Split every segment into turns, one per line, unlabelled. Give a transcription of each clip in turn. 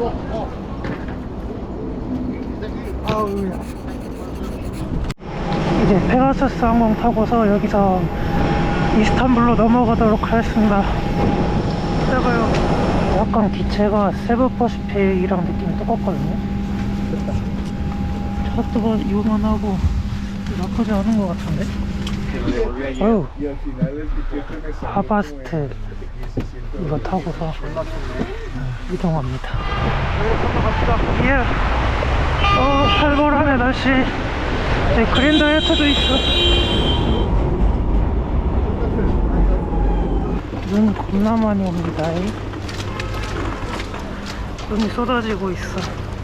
아우야. 이제 페가수스 항공 타고서 여기서 이스탄불로 넘어가도록 하겠습니다. 제가요, 약간 기체가 세부퍼시픽이랑 느낌이 똑같거든요. 차도 요만하고 나쁘지 않은 것 같은데. 어휴, 하바스트 이거 타고서 이동합니다. 예. 살벌하네 날씨. 그린 다이어트도 있어. 눈 겁나 많이 옵니다. 눈이 쏟아지고 있어.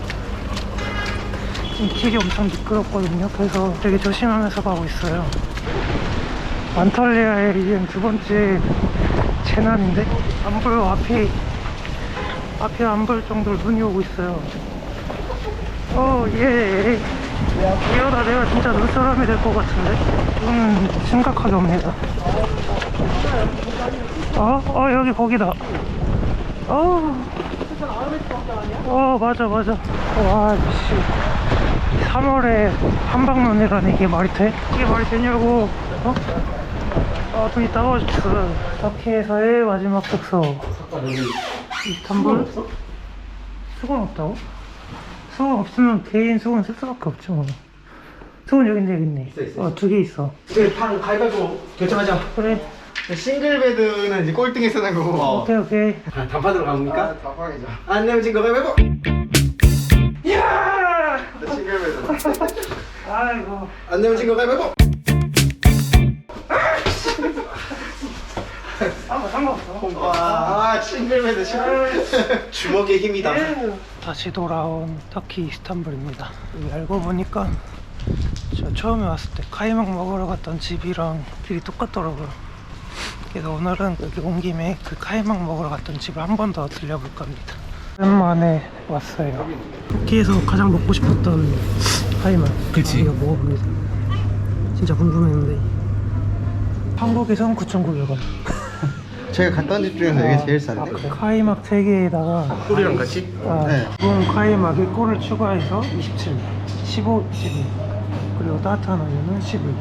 지금 길이 엄청 미끄럽거든요. 그래서 되게 조심하면서 가고 있어요. 안탈리아의 이젠 두 번째 재난인데 안 보여. 앞에 안 볼 정도로 눈이 오고 있어요. 예. 이러다 내가 진짜 눈사람이 될 것 같은데? 심각하게 옵니다. 여기 거기다. 맞아. 와, 씨. 3월에 한방눈이라니 이게 말이 돼? 이게 말이 되냐고. 눈이 따가워졌어. 터키에서의 마지막 숙소. 이스탄불? 수건 없다고? 수건 없으면 개인 수건 쓸 수밖에 없죠. 뭐. 수건 여기 있네.
있어.
두 개 있어.
이제 방 가위바위보 결정하자.
그래.
싱글 베드는 이제 꼴등에 쓰는 거고.
오케이.
단판으로 갑니까? 단판이죠. 안 내면 진거 가위바위보.
야!
싱글 베드.
아이고.
안 내면 진거 가위바위보. 상관없어. 싱글 베드 싫어. 주먹의 힘이다.
다시 돌아온 터키 이스탄불입니다. 여기 알고 보니까 저 처음에 왔을 때 카이막 먹으러 갔던 집이랑 길이 똑같더라고요. 그래서 오늘은 여기 온 김에 그 카이막 먹으러 갔던 집을 한 번 더 들려볼까 합니다. 오랜만에 왔어요. 터키에서 가장 먹고 싶었던 카이막.
그치.
이거 먹어봅니다. 진짜 궁금했는데 한국에선 9,900원.
제가 갔던 집 중에서 이게 제일 싼데.
카이막 3개에다가
꿀이랑 같이? 네.
구운 카이막에 꿀을 추가해서 27, 15, 12. 그리고 따뜻한 우유는 11.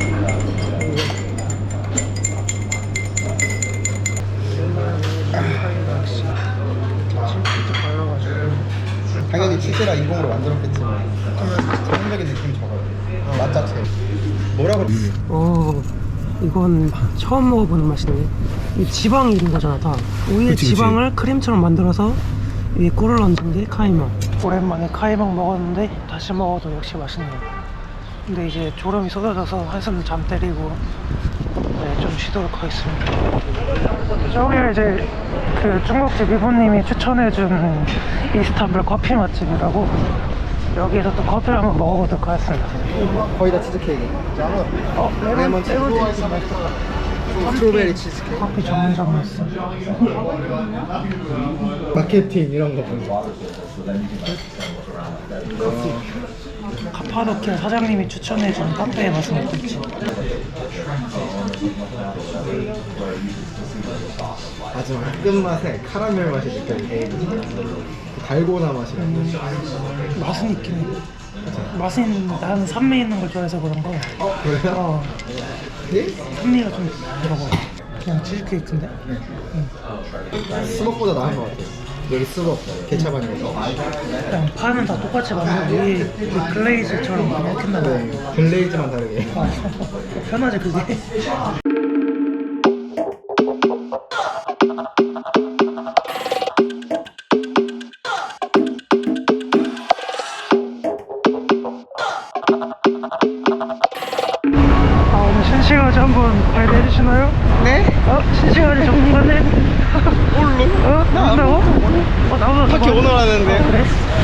당연히 치즈라 인공으로 만들었겠지만 전형적인 느낌이 적어요. 맛 자체. 뭐라 그래?
이건 처음 먹어보는 맛이네. 이 지방이 있는 거잖아 다. 우유의 지방을 크림처럼 만들어서 위에 꿀을 얹은 게 카이막. 오랜만에 카이막 먹었는데 다시 먹어도 역시 맛있네요. 근데 이제 졸음이 쏟아져서 한숨 잠 때리고 좀 쉬도록 하겠습니다. 저기 이제 그 중국집 이모님이 추천해준 이스탄불 커피 맛집이라고, 여기에서 또 커피를 한번 먹어보도록 하겠습니다.
거의 다 치즈케이크. 레몬 치즈. 스트로베리 치즈케이크.
커피 전문점이었어.
마케팅 이런 거 보죠.
카파도키아 사장님이 추천해준 카페의 맛을 먹고 있지.
마지막 끝맛에 카라멜 맛이 느껴지고 달고나 맛이 나고.
맛은 있긴 해. 맛은 있는데 나는 산미 있는 걸 좋아해서 그런가.
그래요? 네?
산미가 좀 들어가. 그냥 치즈케이크인데?
수박보다 나은 것 같아요. 여기 수박 케찹 아니고.
그냥 파는 다 똑같이 만들고 위에 그 글레이즈처럼 그냥 했나 봐.
네, 글레이즈만 다르게.
편하지 그게? 오늘 신시가지 한번 발대해 주시나요?
네?
신시가지 전문가네? 뭘로? 나온다고? 나보다
터키
더
오늘 하는데.
그래?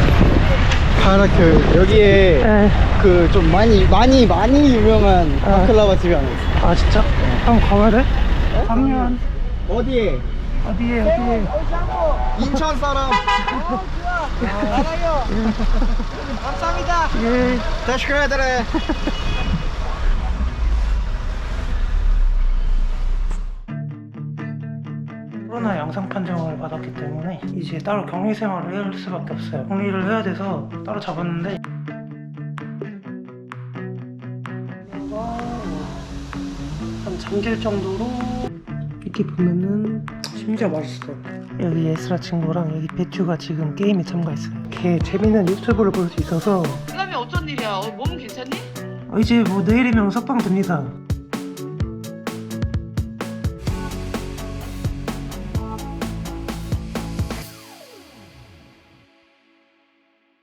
바라크 여기에
에.
그 좀 많이 유명한 바클라바 집이 하나 있어.
진짜? 한번 가봐야 돼? 작년
어디에?
어디에?
인천 사람. 알아요. 감사합니다.
예.
다시 가야 되네.
코로나 양성 판정을 받았기 때문에 이제 따로 격리 생활을 할 수밖에 없어요. 격리를 해야 돼서 따로 잡았는데 한 잠길 정도로 이렇게 보면은 심지어 맛있어요. 여기 에스라 친구랑 여기 배추가 지금 게임에 참가했어요. 걔 재밌는 유튜브를 볼 수 있어서
그다음에 어쩐 일이야? 몸은 괜찮니?
이제 뭐 내일이면 석방 됩니다.